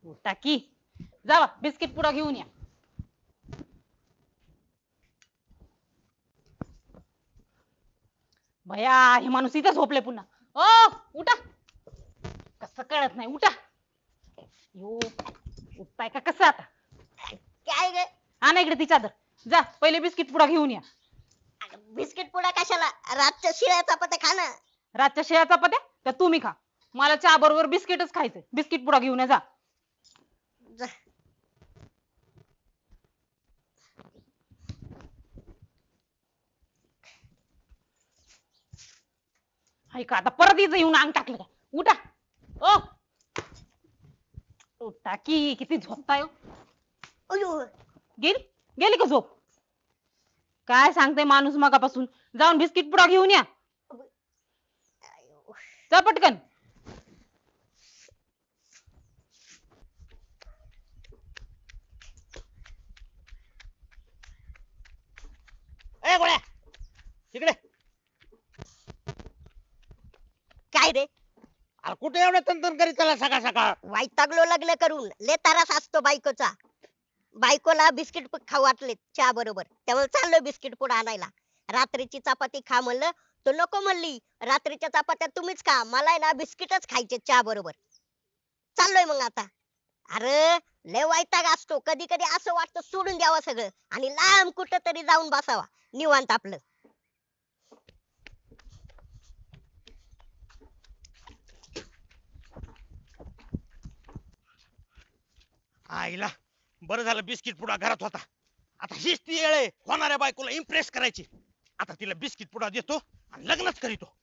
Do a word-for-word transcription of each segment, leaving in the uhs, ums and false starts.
टाकी जावा बिस्किट पुडा घेऊन या. भया हे माणूस इथं झोपले पुन्हा. ओ उठा. कसं कळत नाही उठा. यो उठताय का कसं आता. काय ग? हा ना इकडे ती चादर. जा पहिले बिस्किट पुडा घेऊन या. बिस्किट पुडा कशाला? रातच्या शिळ्या चपात्या खा ना. रातच्या शेळ्या चपात्या त्या तुम्ही खा. मला चहा बरोबर बिस्किटच खायचंय. बिस्किट पुडा घेऊन या जा. जा. ऐका आता परत इथं येऊन अंग टाकलं का. उठा. ओ उठा की किती झोपताय हो? अयो गेली गेली का झोप. काय सांगते माणूस मगापासून. जाऊन बिस्किट पुडा घेऊन या. जा पटकन. ए गोळ्या तिकडे. काय रे? अरे कुठे एवढं तंतन करीत चला सकाळ सकाळ. वैतागलो लग्न करून. लय त्रास असतो बायकोचा. बायकोला बिस्किट खाऊ वाटले चहा बरोबर, त्यामुळे चाललोय बिस्किट पुडा आणायला. रात्रीची चपाती खा म्हणलं तर नको म्हणली. रात्रीच्या चपात्या तुम्हीच खा, मला आहे ना बिस्किटच खायचे चहा बरोबर. चाललोय मग आता. अरे लय वैताग असतो. कधी कधी असं वाटतं सोडून द्यावं सगळं आणि लांब कुठं तरी जाऊन बसावा निवांत आपलं. आईला बरं झालं बिस्किट पुडा घरात होता. आता हीच ती वेळ आहे होणाऱ्या बायकोला इम्प्रेस करायची. आता तिला बिस्किट पुडा देतो आणि लग्नच करीतो.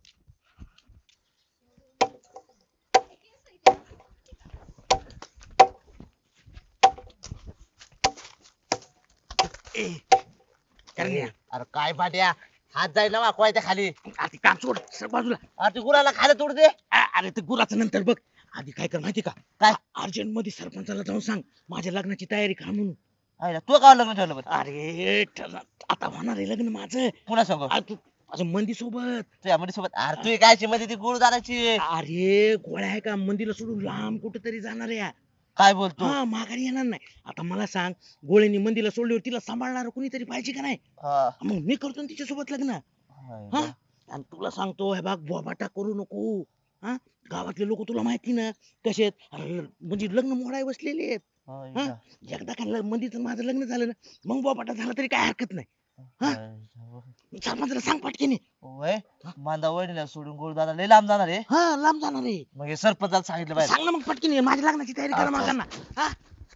ए करण्या अरे काय पाट्या हात जाईल ना वाकवाय त्या खाली. आधी काम सोड सर बाजूला. अरे ते गुराला खाली तोड दे. अ- अरे ते गुराचं नंतर बघ. आधी काय कर माहिती का. काय? अर्जंट मध्ये सरपंचाला जाऊन सांग माझ्या लग्नाची तयारी खा म्हणून. आईला तू का लग्न ठेवलं बरं? अरे ठरलं. आता होणार आहे लग्न माझं. पुन्हा सांग अरे तू माझं मंदी सोबत. तुझ्या मध्ये सोबत. अरे तू काय मध्ये ती गुळ दाराची अरे गोळ्या आहे का मंदीला सोडून लांब कुठेतरी जाणार आहे. काय बोलतो? हा माघारी येणार नाही. आता मला सांग गोळ्यानी मंदीला सोडल्यावर तिला सांभाळणार कोणीतरी पाहिजे का नाही. हा. मग मी करतो ना तिच्यासोबत लग्न. हा आणि तुला सांगतो हे बाग बोबाटा करू नको. हा गावातले लोक तुला माहिती ना कसे आहेत. अरे म्हणजे लग्न मोडाय बसलेले आहेत. हा एकदा का मंदीचं माझं लग्न झालं ना मग बोबाटा झाला तरी काय हरकत नाही. हा सरपंचाला सांग पटकेने. वय मांदा वडीला सोडून गुळ दादा लय लांब जाणार आहे. हा लांब जाणार आहे. मग हे सरपंचाला सांगितलं पाहिजे. सांग ना मग पटकेने माझ्या लग्नाची तयारी करा मागांना. हा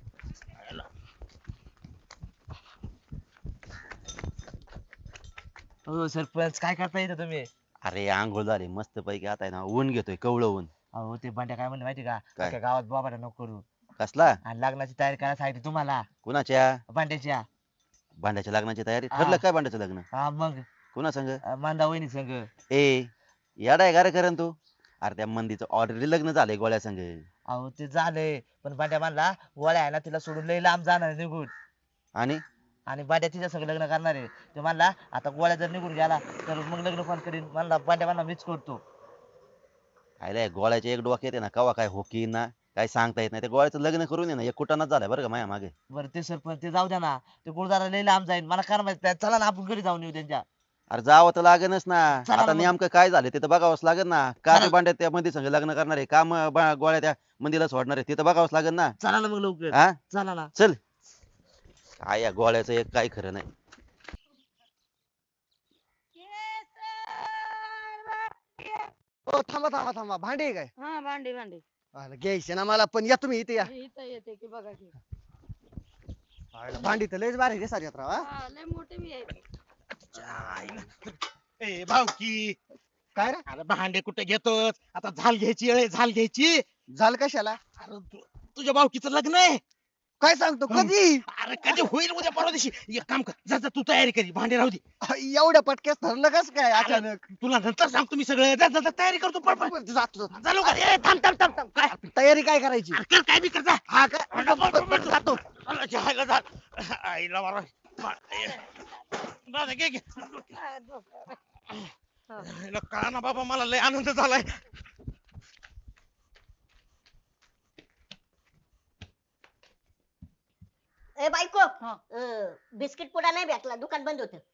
हो सरपंच काय करता येतं तुम्ही? अरे आंघोळ झाली मस्त पैकी. आता आहे ना ऊन घेतोय कवळं ऊन. अहो ते बंड्या काय म्हणले माहिती का? काय? अख्ख्या गावात बाबा नको करू कसला आणि लग्नाची तयारी करायला सांगितली तुम्हाला कुणाच्या बंड्याच्या. भांड्याच्या लग्नाची तयारी हा. ठरलं काय भांड्याचं लग्न हा मग कुणा संग. अं, मांदा वहिनी संग. ए येडा आहे का रे करण तू. अरे त्या मंदीचं ऑलरेडी लग्न झालंय गोळ्या संग. अहो ते झालंय पण बंड्या म्हणला गोळ्या आहे ना तिला सोडून लय लांब जाणार आहे निघून. आणि आणि बंड्या तिच्या संग लग्न करणार आहे. ते म्हणला आता गोळ्या जर निघून गेला तर मग लग्न कोण करीन. म्हणला बंड्या म्हणला मीच करतो. आयला गोळ्याच्या एक डोक्यात आहे ना कवा काय होकी ना काय सांगता येत नाही. त्या गोळ्याचं लग्न करून ये ना एक कुटाणाच झालाय बरं का माझ्या मागे. बरं ते सरपंच ते जाऊ द्या ना. ते गुरुदारा लय लांब जाईल मला काय माहिती. चला ना आपण घरी जाऊन येऊ त्यांच्या. अरे जावं तर लागेलच ना. चला ना आता मग. नेमकं काय झालं ते तर बघावंच लागेल ना. का चला. ते भांड्यात त्या मंदी संग लग्न करणार आहे का म- बा- गोळ्या त्या मंदीला सोडणार आहे ते तर बघावंच लागेल ना. चला ना मग लवकर. हा चला ना. चल. काय या गोळ्याचं एक काय खरं नाही. हो थांबा थांबा थांबा भांडे आहे काय हा भांडी भांडी आलं, घ्यायचे ना मला पण या तुम्ही इथे या इथं येते की बघा की. आलं, भांडी तर लयच भारी दिसायला राव हा. हा, लय मोठे मी आहे. ए भाऊकी काय रे अरे भांडे कुठे घेतोस. आता झाल घ्यायची वेळ आहे, झाल घ्यायची. झालं कशाला अरे तु- तुझ्या भाऊकीचं लग्न आहे. काय सांगतो हं. कधी अरे कधी होईल उद्या परवा दिवशी. एक काम कर जा जा तू तयारी करी भांडे राहू दे. एवढ्या पटक्यास ठरलं कस काय अचानक तुला नंतर सांगतो मी सगळं. जा जा जा, तयारी करतो पळ पळ. बरं, जातो जातो. जा लवकर. ए, थांब थांब थांब थांब. काय तयारी काय करायची अरे कर काय बी कर जा. हा काय पळ, पळ, पळ, पळ, जातो. अरे, जायला जा. आईला मारा. मा- ए, जा, जा, घे, घे. आईला कळा ना बाबा मला लय आनंद झालाय. ए बायको हा. अं, बिस्किट पुडा नाही भेटला दुकान बंद होत.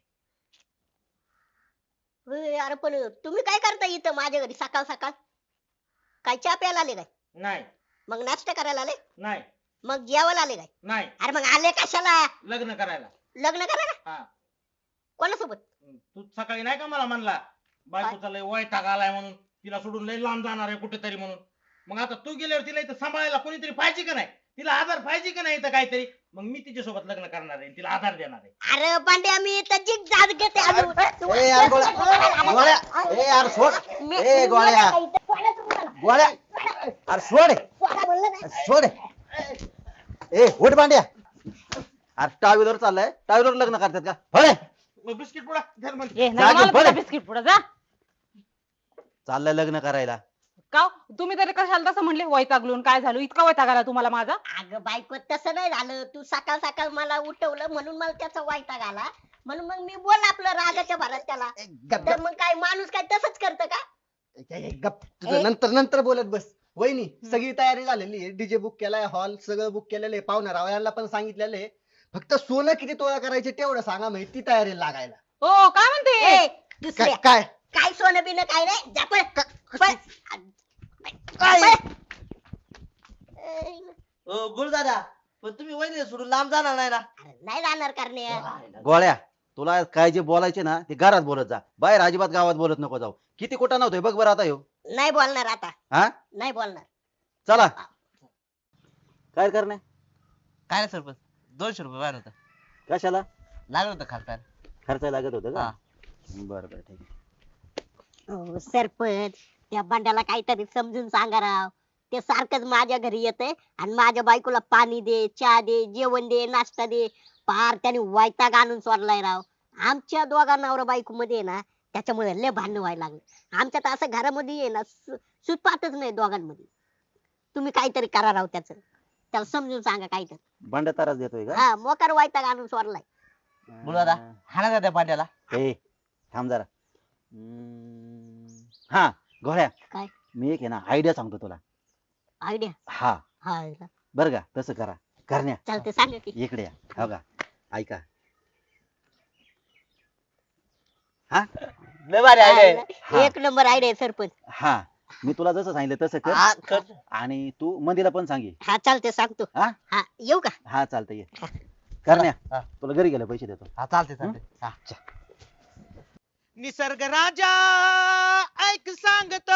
अरे पण तुम्ही काय करता इथं माझ्या घरी सकाळ सकाळ? काय चहा प्यायला आले काय? नाही मग नाश्ता करायला आले? नाही मग जेवायला आले काय? नाही अरे मग आले कशाला? लग्न करायला. लग्न करायला? हा कोणासोबत? तू सकाळी नाही का मला म्हणला बायकोचा लय वैताग आलाय म्हणून, तिला सोडून लय लांब जाणार आहे कुठेतरी म्हणून. मग आता तू गेल्यावर तिला इथं सांभाळायला कोणीतरी पाहिजे का नाही? तिला आधार पाहिजे का नाही इथं काहीतरी? मग मी तिच्यासोबत लग्न करणार आहे, तिला आधार देणार आहे. अरे पांड्या मी तर जिग जात घेते अजून. तू- ए यार गोळ्या गोळ्या ए यार सोड मी- ए गोळ्या गोळ्या अरे सोड सोडा म्हणलं ना. सोड ए उठ भांड्या अरे टावीवर चाललाय, टावीवर लग्न करतात का? होय मग बिस्किट पुडा धर म्हण. ए, जा नाही घेऊन मला पळ. तुझा बिस्किट पुढे जा. चाललंय लग्न करायला. का हो? तुम्ही तरी कशाला तसं म्हणले वैतागलून काय झालं? इतका वैताग आला तुम्हाला माझा? अगं बायको तसं नाही झालं. तू सकाळ सकाळ मला उठवलं म्हणून मला त्याचा वैताग आला. म्हणून मग मी बोल आपलं रागाच्या भरात त्याला. तर मग काय माणूस काय तसंच करतं का? गप तुझं नंतर नंतर बोलत बस. वहिनी सगळी तयारी झालेली आहे, डीजे बुक केलाय, हॉल सगळं बुक केलेलं आहे, पाहुण्या रावळ्यांना पण सांगितलेलं आहे. फक्त सोनं किती तोळा करायचे तेवढं सांगा, माहिती ती तयारी लागायला. हो काय म्हणते? ए, दुसऱ्या काय काय काय सोनं बिनं काय नाही जा पळ. पळ. काय? पळ. ओ गुरुदादा पण तुम्ही वहिनी सोडून लांब जाणार नाही ना? अरे नाही जाणार करणे. गोळ्या तुला काय जे बोलायचे ना ते घरात बोलत जा, बाहेर अजिबात गावात बोलत नको जाऊ. किती कुठं नव्हतोय बघ बरं आता ह्यो. नाही बोलणार आता. हा नाही बोलणार. चला काय करणे काय नाही सरपंच दोनशे रुपये बाहेर होतं कशाला लागलं होतं खालपायला. खर्च लागत होतं का? हा. बरं बरं ठीक आहे. हो सरपंच त्या बंड्याला काहीतरी समजून सांगा राव. ते सारखंच माझ्या घरी येतंय आणि माझ्या बायकोला पाणी दे, चहा दे, जेवण दे, नाश्ता दे. पार त्याने वैताग आणून सोडलाय राव. आमच्या दोघा नवरा बायको मध्ये आहे ना त्याच्यामुळे लय भांडण व्हायला लागले. आमच्यात असं घरामध्ये आहे ना सुटपातच नाही दोघांमध्ये. तुम्ही काहीतरी करा राव त्याचं. त्याला समजून सांगा काहीतरी. भांड्या ताराच देतोय का? हा मोकार वैताग आणून सोडलाय. गुरुदादा हाणा का त्या पांड्याला? ए थांब जरा. हम्म, हा गोळ्या काय? मी एक आहे ना आयडिया सांगतो तुला. आयडिया? हा हा बरं का तसं करा. करण्या चालते सांगा की. इकडे या. हो का ऐका. हा लय भारी आहे. हा. एक नंबर आयडिया सरपंच. हा मी तुला जसं सांगितलं तसं कर. हा, कर. आणि तू मंदीला पण सांगे. हा चालते सांगतो. हा हा येऊ का? हा चालतंय ये. करण्या हा. तुला घरी गेले पैसे देतो. हा चालते चालते हा. निसर्ग राजा ऐक सांगत,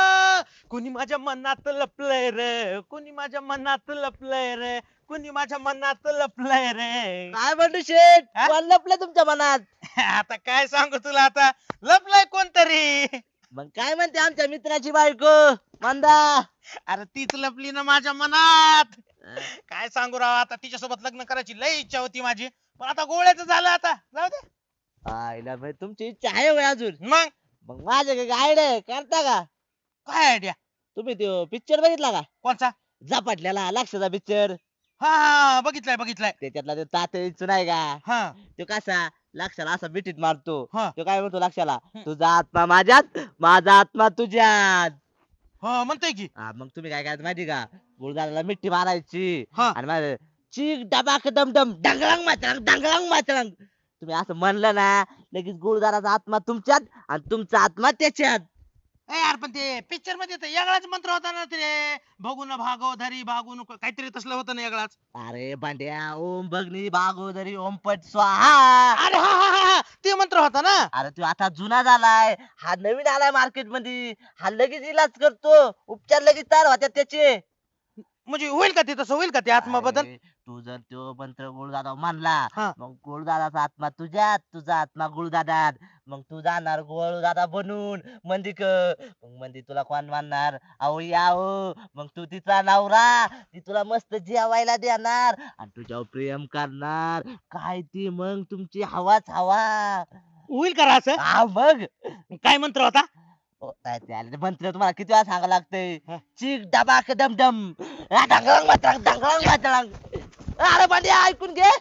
कुणी माझ्या मनात लपलंय रे, कुणी माझ्या मनात लपलंय रे, कुणी माझ्या मनात लपलंय रे. काय म्हणतो शेठ हा? कोण लपलं तुमच्या मनात? आता काय सांगू तुला, आता लपलंय कोणतरी. मग काय म्हणते आमच्या मित्राची बायको मंदा? अरे तीच लपली ना माझ्या मनात. काय सांगू राव, आता तिच्यासोबत लग्न करायची लय इच्छा होती माझी, पण आता गोळ्याचं झालं. आता जाऊ दे. आईला भाई तुमची इच्छा आहे होय अजून? मग मग माझ्या आयडिया करता का? काय आयडिया? तुम्ही तो पिक्चर बघितला का? कोणचा? झपाटलेला लक्षाचा पिक्चर. हा हा बघितलाय बघितलाय. त्याच्यातला तो तात्या नाही का? हा तो कसा लक्षाला असा बिटीत मारतो. हा. तो काय म्हणतो लक्षाला, तुझा आत्मा माझ्यात, माझा आत्मा तुझ्यात. हा म्हणतोय की. हा, मग तुम्ही काय करायचं माहिती का? गुरुदाराला मिठी मारायची हा. आणि माझं चीक डबाक दमदम डंगळंग माचळंग डंगळंग माचळंग. तुम्ही असं म्हणलं ना लगेच गुरुदाराचा आत्मा तुमच्यात आणि तुमचा आत्मा त्याच्यात. ए यार पण ते पिक्चर मध्ये तर वेगळाच मंत्र होता ना ते, बघून भागो धरी भागू नको काहीतरी तसलं होतं ना वेगळाच. अरे भांड्या ओम भगनी भागोदरी ओम पट स्वाहा. अरे हा हा हा हा, ते मंत्र होता ना. अरे तू आता जुना झालाय, हा नवीन आलाय मार्केट मध्ये. हा लगेच इलाज करतो, उपचार लगेच तयार होत्यात त्याचे. म्हणजे होईल का ते तसं, होईल का ते आत्मा बदल? अरे, तू जर तो मंत्र गुरुदादा मानला, हा. मग गुरुदादाचा आत्मा तुझ्यात, तुझा आत्मा गुरुदादात. मग तू जाणार गुरुदादा बनून मंदिक. मग मंदी तुला कोण मानणार? अहो याव. मग तू तिचा नवरा, ती तुला मस्त जेवायला देणार आणि तुझ्यावर प्रेम करणार. काय ती मग तुमची हवाच हवा. होईल का रे असं? हा मग काय मंत्र होता? ओ, काय ते आले ते मंत्र तुम्हाला किती वेळा सांगावं लागतंय? हा. चिक डबाक डमडम आ, ढंगळंग मातळंग, ढंगळंग मातळंग. अरे भांड्या ऐकून घे.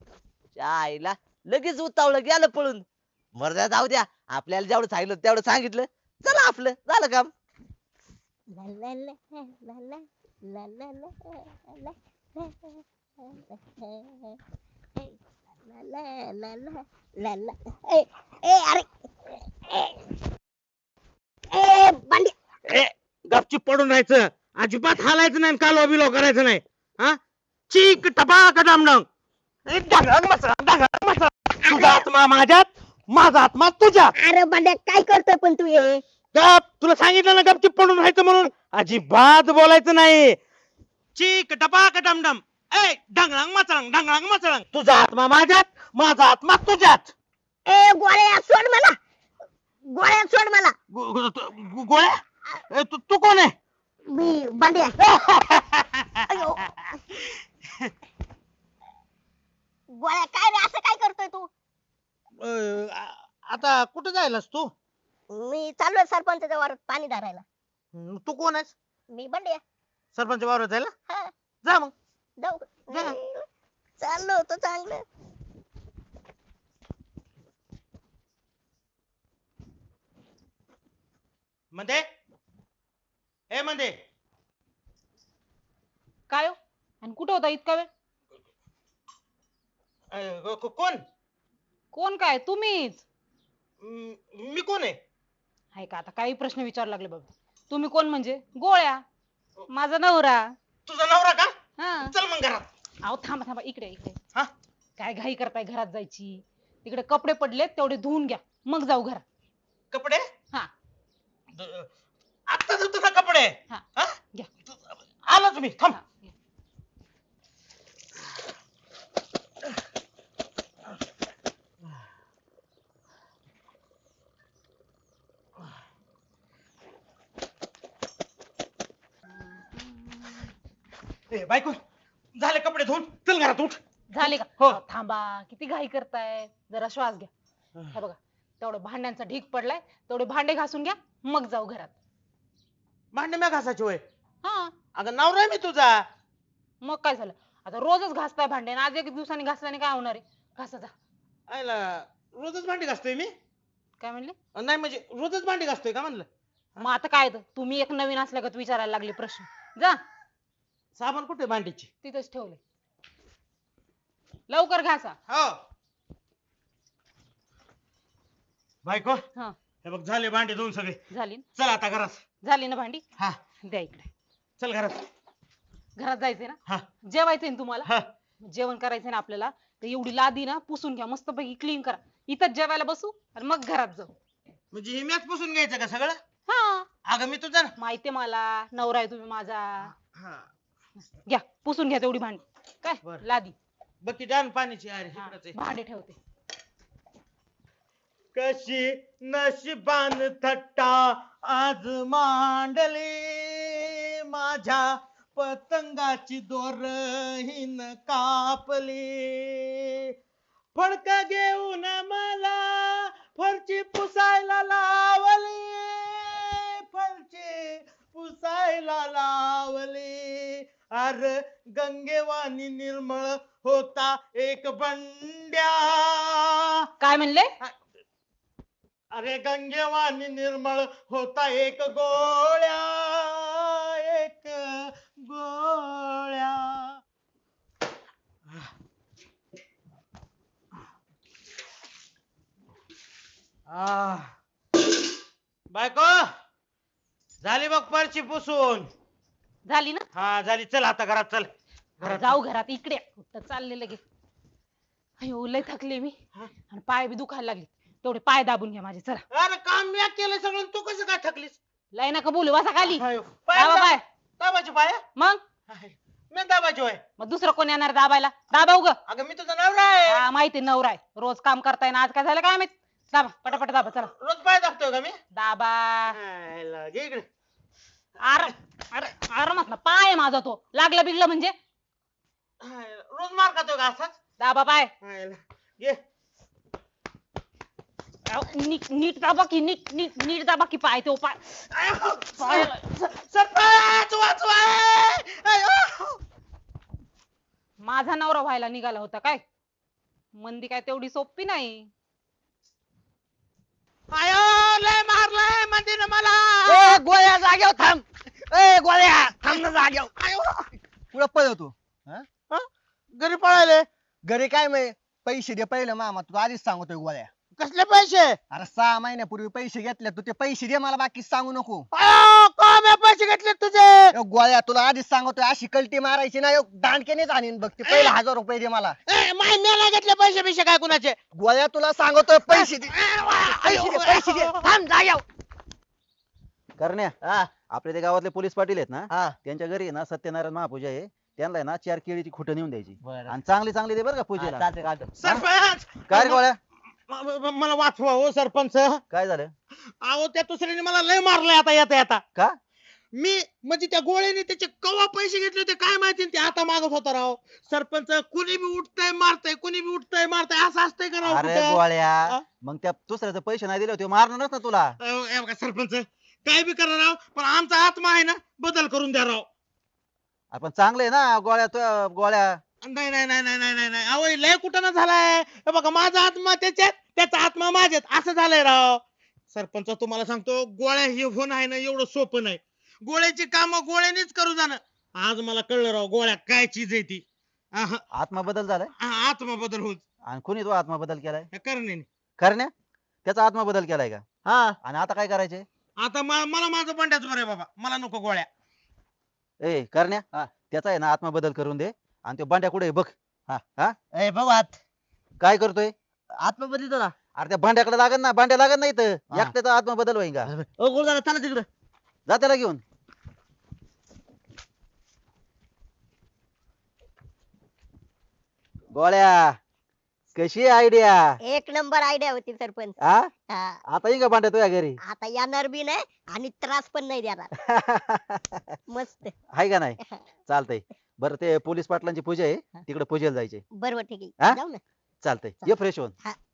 च्या आईला लगेच उतावळं गेलं पळून. मर्दा जाऊ द्या, आपल्याला जेवढं सांगितलं तेवढं सांगितलं. चला आपलं झालं काम. ला ला ला ला ला ला ला ला ला ला. ला ला ला ला ला. ए ए अरे ए ए बंडी. ए गपचूप पडून राहायचं, अजिबात हालायचं नाही, कालवा बिलवा करायचं नाही. हा चीक टपाक डामडंग. ए, डांगरांग मचरांग, डांगरांग मचरांग. तुझा आत्मा माझ्यात, माझा आत्मा तुझ्यात. अरे बंड्या काय करतोय पण तू हे? गप, तुला सांगितलं ना गपचूप पडून राहायचं म्हणून. अजिबात बोलायचं नाही. चीक टपाक डमडम. ए डांगरांग मचरांग, डांगरांग मचरांग. तुझा आत्मा माझ्यात, माझा आत्मा तुझ्यात. ए गोळ्या सोड मला, गोळ्या सोड मला. गो- गो- तू- गोळ्या ए, तू तू कोण आहे? मी बंड्या. अयो. गोळ्या काय रे असं काय करतोय तू? अं, आ- आता कुठे जायलास तू? मी चाललोय सरपंचाच्या वावरात पाणी धरायला. हं, तू कोण आहेस? मी बंड्या. सरपंच वावरात जायला? हा जा मग. जाऊ. जा. चाललो होतो चांगलं. मध्ये ए मध्ये काय हो आणि कुठं होता इतका वेळ? अं, को- को- कोण? कोण काय? तुम्हीच म- मी कोण आहे? आहे का? आता काही प्रश्न विचारू लागले बाबा. तुम्ही कोण म्हणजे? गोळ्या, माझा नवरा. तुझा नवरा का? हा. चल मग घरात. अहो थांबा थांबा, इकडे इकडे. हा? काय घाई करताय घरात जायची? तिकडे कपडे पडलेत तेवढे धुवून घ्या, मग जाऊ घरात. कपडे? हा. द- आत्ता धुतो ना कपडे. हा. हा? घ्या. आलोच मी, थांब. हा, घ्या. ए बायको, झाले कपडे धुवून, चल घरात उठ. झाले का? हो. अहो, थांबा, किती घाई करताय, जरा श्वास घ्या. हे बघा, तेवढं भांड्यांचा ढीग पडलाय, तेवढे भांडे घासून घ्या, मग जाऊ घरात. भांडे म्या घासायची होय? हा. अगं नवरा आहे मी तुझा. मग काय झालं? आता रोजच घासताय भांडे आणि आज एक दिवसाने घासल्याने काय होणार आहे? घासा जा. आयला रोजच भांडी घासतोय मी? काय म्हणले? अं, नाही म्हणजे रोजच भांडी घासतोय का म्हणलं? मग आता काय तर, तुम्ही एक नवीन असल्यागत विचारायला लागले प्रश्न. जा, साबण कुठे भांडीची? तिथंच ठेवले. लवकर घासा. हो. बायको, हा. हे बघ झाले भांडे धुवून सगळे. झाली ना? चल आता घरात. झाली ना भांडी? हा. द्या इकडे. चल घरात. घरात जायचंय ना? हा. जेवायचंय ना तुम्हाला? हा. जेवण करायचंय ना आपल्याला, तर एवढी लादी ना पुसून घ्या, मस्तपैकी क्लीन करा. इथंच जेवायला बसू आणि मग घरात जाऊ. म्हणजे हे मॅच पुसून घ्यायचं का सगळं? हा. अगं मी तुझा ना. माहितीये मला, नवरा आहे तुम्ही माझा. हा. घ्या पुसून घ्या तेवढी भांडी. काय बरं. लादी. बघ डान पाण्याची अरे हा, इकडंच आहे. भांडे ठेवते. कशी नशिबान थट्टा आज मांडली, माझ्या पतंगाची दोर हिन कापली. फडका घेऊन मला फरची पुसायला लावली, फरची पुसायला लावली. अर गंगेवाणी निर्मळ होता एक बंड्या. काय म्हणले? अरे गंगेवाणी निर्मळ होता एक गोळ्या, एक गोळ्या. आ बायको, झाली बघ परची पुसून. झाली ना? हा झाली. चल आता घरात चल. घरात जाऊ घरात. इकडे कुठं चालले लगेच? अयो लय थकले मी हा? आणि पाय बी दुखायला लागले. तेवढे पाय दाबून घ्या माझे. चला. अरे काम मी केलं सगळं, तू कसं काय थकलीस? लय नका बोलू, बसा खाली. हायो. दाबा पाय. दाबायची पाय? मग मी दाबायची होय? मग दुसरं कोण येणार दाबायला? दाबा उग. अगं मी तुझा नवरा आहे. हा माहिती नवरा आहे, रोज काम करताय ना, आज काय झालं काय माहित. दाबा पटापट दाबा. चला रोज पाय दाबतोय का मी? दाबा. हायला, घे इकडे. आर अरे आरामात ना, पाय आहे माझा तो. लागलं बिगलं म्हणजे हायला, रोज मार खातोय का असाच? दाबा पाय. हायला, घे. अहो, नीट नीट दाबा की, नीट नीट नीट दाबा की पाय तो पाय. पाय सरपंच वाचवा. आयो. माझा नवरा व्हायला निघाला होता काय? मंदी काय तेवढी सोपी नाही. आयो, लय मारलंय मंदीनं मला. ए गोळ्या जाग्यावर थांब. ए गोळ्या थांब ना जाग्यावर. पुढे पळतो. घरी पळाले घरी काय माहिती पैसे दे पहिलं मामा तू आधीच सांगतोय गोळ्या. कसले पैसे? अरे सहा महिन्यापूर्वी पैसे घेतले तू ते पैसे दे मला बाकी सांगू नको. अयो, का मी पैसे घेतले तुझे? ए, गोळ्या तुला आधीच सांगतोय अशी कल्टी मारायची ना दांडकेनेच आणीन बघ ते पहिले हजार रुपये दे मला. ए, माय मी नाही घेतले पैसे बिशे काय कुणाचे? गोळ्या तुला सांगतोय पैसे दे पैसे दे पैसे दे. थांब जाग्याव. करण्या हा आपले ते गावातले पोलीस पाटील आहेत ना हा त्यांच्या घरी आहे ना सत्यनारायण महापूजा आहे त्यांना आहे ना चार केळीची खुटं नेऊन द्यायची बरं. आणि चांगली चांगली दे बरं का पूजेला. चालते चालते. सरपंच काय रे गोळ्या म- म- मला वाचवा हो सरपंच. काय झालं अहो त्या दुसऱ्याने मला लय मारलंय आता येता येता. का मी म्हणजे त्या गोळ्याने त्याचे कवा पैसे घेतले होते काय माहिती आणि ते आता मागत होता राव. सरपंच कुणी बी उठतंय मारतय कुणी बी उठतंय मारतय असं असतंय का राव अरे कुठं? गोळ्या हा? मग त्या दुसऱ्याचे पैसे नाही दिले होते मारणारच ना तुला. अहो, हे बघा सरपंच काय बी करा राव पण आमचा आत्मा आहे ना बदल करून द्या राव. आपण चांगले ना गोळ्या तू गोळ्या नाही नाही नाही नाही नाही नाही नाही अहो लय कुठं झालाय. हे बघा माझा आत्मा त्याच्यात त्याचा आत्मा माझ्यात असं झालंय राव. सरपंच तुम्हाला सांगतो गोळ्या हे होणं आहे ना एवढं सोपं नाही. गोळ्याची कामं गोळ्यानेच करू जाणं. आज मला कळलं राव गोळ्या काय चीज आहे ती. आहा, आत्मा बदल झालाय आहा, आत्मा बदल होत आणि कुणी तो आत्मा बदल केलाय करणे. करण्या त्याचा आत्मा बदल केलाय का हा आणि आता काय करायचे आता म- मला माझं बंड्याच बरं आहे बाबा मला नको गोळ्या. ए करण्या त्याचा आहे ना आत्मा बदल करून दे आणि तो बांड्या कुठे आहे बघ. हा हा ए बघू आत काय करतोय आत्मा बदलतो ना. अरे त्या भांड्याकडे लागत ना भांड्या लागत नाही तर हा. एकट्याचा आत्मा बदल होईल का ओ गुरुदादा चला तिकडे. जा त्याला घेऊन. गोळ्या कशी आयडिया एक नंबर आयडिया होती सरपंच. हा हा, आता येईन का भांड्या तुझ्या घरी आता येणार बी नाही आणि त्रास पण नाही देणार. मस्त. आहे का नाही चालतंय बरं ते पोलीस पाटलांची पूजा आहे तिकडे पूजेला जायचे बरोबर ठीक हा? आहे जाऊ ना. चालतंय ये फ्रेश होऊन हा